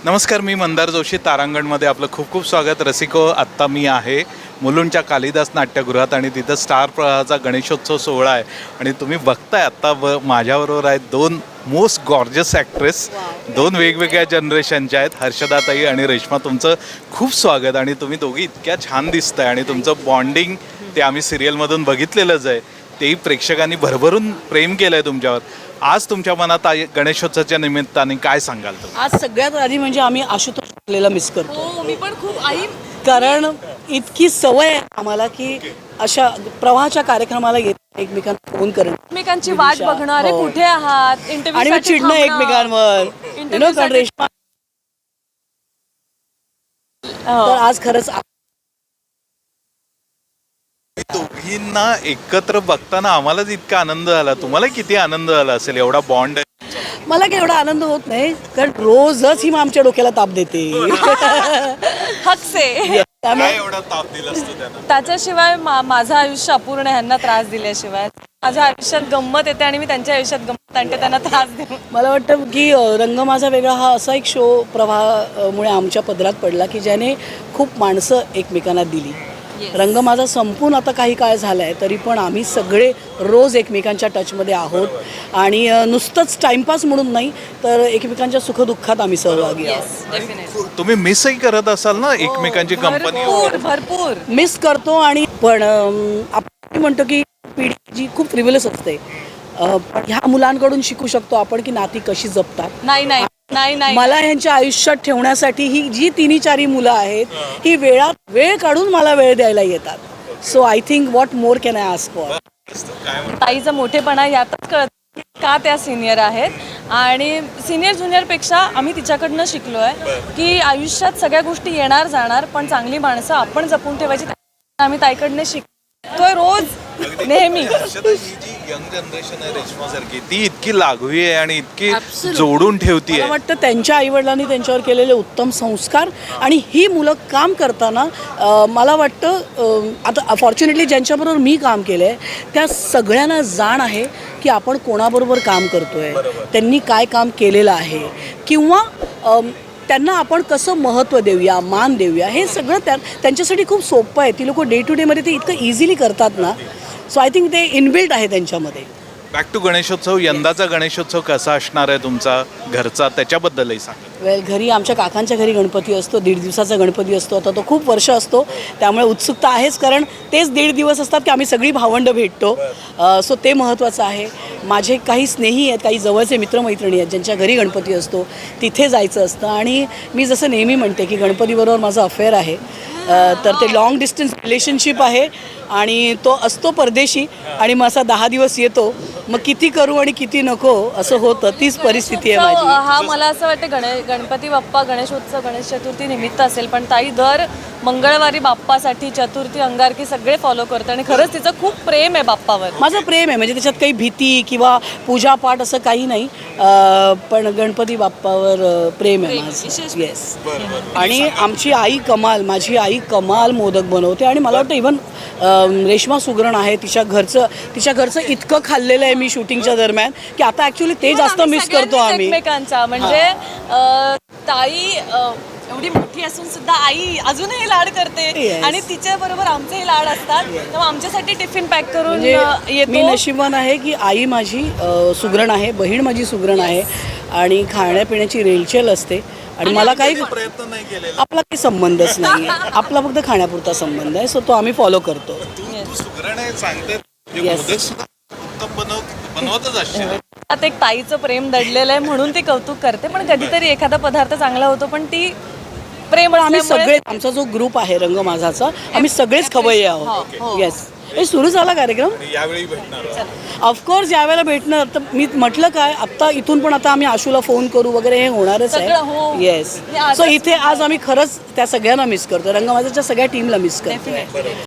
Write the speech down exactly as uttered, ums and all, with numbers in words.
नमस्कार, मी मंदार जोशी. तारांगणमध्ये आपलं खूप खूप स्वागत. रसिको, आत्ता मी आहे मुलुंडच्या कालिदास नाट्यगृहात आणि तिथं स्टार प्रवाहाचा गणेशोत्सव सोहळा आहे. आणि तुम्ही बघताय आत्ता ब माझ्याबरोबर आहेत दोन मोस्ट गॉर्जस ॲक्ट्रेस, दोन वेगवेगळ्या जनरेशनच्या आहेत, हर्षदाताई आणि रेश्मा. तुमचं खूप स्वागत. आणि तुम्ही दोघी इतक्या छान दिसताय आणि तुमचं बॉन्डिंग ते आम्ही सिरियलमधून बघितलेलंच आहे, तेही प्रेक्षकांनी भरभरून प्रेम केलं आहे तुमच्यावर. आज तुमच्या मनात गणेशोत्सवाच्या निमित्ताने काय सांगाल तुम्ही? आज सगळ्यात आधी म्हणजे आम्ही आशुतोष आपल्याला मिस करतो. हो, मी पण खूप आई कारण इतकी सवय आहे आम्हाला की अशा प्रवाहाच्या कार्यक्रमाला येत एकमेकांना फोन करणं, एकमेकांची वाट बघणार आहे, हो. कुठे आहात, इंटरव्ह्यू आणि मग चिडणं एकमेकांवर. You know, कारण रेश्मा तर आज खरंच दोघींना एकत्र बघताना आम्हालाच इतका आनंद झाला. तुम्हाला किती आनंद झाला असेल? एवढा बॉन्ड आहे. मला काही एवढा आनंद होत नाही, कारण रोजच ही मग आमच्या डोक्याला ताप देते. हक्से काय एवढा ताप दिला असतो त्यांना? त्याच्याशिवाय मा- माझं आयुष्य अपूर्ण आहे, ह्यांना त्रास दिल्याशिवाय. माझ्या आयुष्यात गंमत येते आणि मी त्यांच्या आयुष्यात गंमत आणते त्यांना त्रास देऊन. मला वाटतं की अ, रंग माझा वेगळा हा असा एक शो प्रवाहामुळे आमच्या पदरात पडला की ज्याने खूप माणसं एकमेकांना दिली. रंग माझा संपून आता काही काळ झाला आहे, तरी पण आम्ही सगळे रोज एकमेकांच्या टचमध्ये आहोत. आणि अ, नुसतंच टाइमपास म्हणून नाही, तर एकमेकांच्या सुखदुःखात आम्ही सहभागी आहोत. तुम्ही मिसही करत असाल ना एकमेकांची कंपनी? भरपूर भरपूर मिस करतो. आणि पण अम, आपण म्हणतो की पिढी जी खूप फ्रिव्हिलस असते, अ, पण ह्या मुलांकडून शिकू शकतो आपण की नाती कशी जपतात. नाही नाही नाही नाही मला ह्यांच्या आयुष्यात ठेवण्यासाठी ही जी तिन्ही चारी मुलं आहेत, ही वेळात वेळ काढून मला वेळ द्यायला येतात. So I think what more can I ask for. ताईचा मोठेपणा यातच कळत का त्या सिनियर आहेत. आणि सिनियर ज्युनियरपेक्षा आम्ही तिच्याकडनं शिकलो आहे की आयुष्यात सगळ्या गोष्टी येणार जाणार, पण चांगली माणसं आपण जपून ठेवायची. आम्ही ताईकडनं शिकतोय रोज नेहमी. यंग जनरेशन आहे रेश्मासारखी, ती इतकी लागवी आहे आणि इतकी जोडून ठेवती मला आहे. वाटतं त्यांच्या आईवडिलांनी त्यांच्यावर केलेले उत्तम संस्कार. आणि ही मुलं काम करताना अ, मला वाटतं अ, आता फॉर्च्युनेटली ज्यांच्याबरोबर मी काम केलं आहे त्या सगळ्यांना जाण आहे की आपण कोणाबरोबर काम करतो आहे, त्यांनी काय काम केलेलं आहे, किंवा अ, त्यांना आपण कसं महत्त्व देऊया, मान देऊया. हे सगळं त्या त्यांच्यासाठी खूप सोपं आहे. ती लोक डे टू डेमध्ये ते इतकं इझिली करतात ना. सो आय थिंक ते इनबिल्ट आहे त्यांच्यामध्ये. Back to Ganeshotsav. यंदाचा गणेशोत्सव कसा असणार आहे तुमचा घरचा, त्याच्याबद्दलही सांगा. वेल, घरी आमच्या काकांच्या घरी गणपती असतो, दीड दिवसाचा गणपती असतो. आता तो खूप वर्ष असतो, त्यामुळे उत्सुकता आहेच, कारण तेच दीड दिवस असतात की आम्ही सगळी भावंडं भेटतो. सो ते महत्त्वाचं आहे. माझे काही स्नेही आहेत, काही जवळचे मित्रमैत्रिणी आहेत ज्यांच्या घरी गणपती असतो, तिथे जायचं असतं. आणि मी जसं नेहमी म्हणते की गणपतीबरोबर माझं अफेअर आहे. तर ते लॉंग डिस्टन्स रिलेशनशिप आहे आणि तो असतो परदेशी, आणि मग असा दहा दिवस येतो. मग किती करू आणि किती नको असं होतं. तीच परिस्थिती आहे माझी. हा मला असं वाटतं गणे गणपती बाप्पा, गणेशोत्सव, गणेश चतुर्थी निमित्त असेल, पण ताई दर मंगळवारी बाप्पासाठी, चतुर्थी, अंगारकी सगळे फॉलो करते. आणि खरंच तिचं खूप प्रेम आहे बाप्पावर. माझं प्रेम आहे, म्हणजे त्याच्यात काही भीती किंवा पूजापाठ असं काही नाही. अं, पण गणपती बाप्पावर अं, प्रेम आहे माझं. येस. आणि आमची आई कमाल, माझी आई कमाल मोदक बनवते. आणि मला वाटतं इव्हन रेश्मा सुगरण आहे, तिच्या घरचं तिच्या घरचं इतकं खाल्लेलं आहे मी शूटिंगच्या दरम्यान की आता ॲक्च्युली ते जास्त मिस करतो आम्ही एकमेकांचा. म्हणजे अं, ताई अं, एवढी मोठी असून सुद्धा आई अजूनही लाड करते. Yes. आणि तिच्या बरोबर आमचेही लाड असतात. तेव्हा आमच्यासाठी टिफिन पॅक करून म्हणजे अं, मी येतो. नशिबान आहे की आई माझी अ, सुगरण आहे, बहीण माझी सुगरण आहे, आणि खाण्यापिण्याची रेलचेल असते. आणि मला काही प्रयत्न नाही केलेला. आपला काही संबंधच नाही आहे, आपला फक्त खाण्यापुरता संबंध आहे. सो तो आम्ही फॉलो करतो. तू सुगरण आहे सांगते, Yes. मोदक सुद्धा उत्तम बनव बनवतच असशील. आता एक ताईचं प्रेम दडलेलं आहे म्हणून ती कौतुक करते. पण कधीतरी एखादा पदार्थ चांगला होतो, पण ती प्रेम पण आम्ही असल्यामुळे- सगळे, आमचा जो ग्रुप आहे रंग माझाचा, आम्ही सगळेच खवय्ये आहोत. हो. येस. हे सुरू झाला कार्यक्रम. यावेळी भेटणार. ऑफकोर्स यावेळेला भेटणार. तर मी म्हटलं काय, आत्ता इथून पण आता आम्ही आशूला फोन करू वगैरे हे होणारच सगळं, हो. आहे. येस. हे आजच सो इथे आज आम्ही खरंच त्या सगळ्यांना मिस करतो, रंग माझ्याच्या सगळ्या टीमला मिस करतो.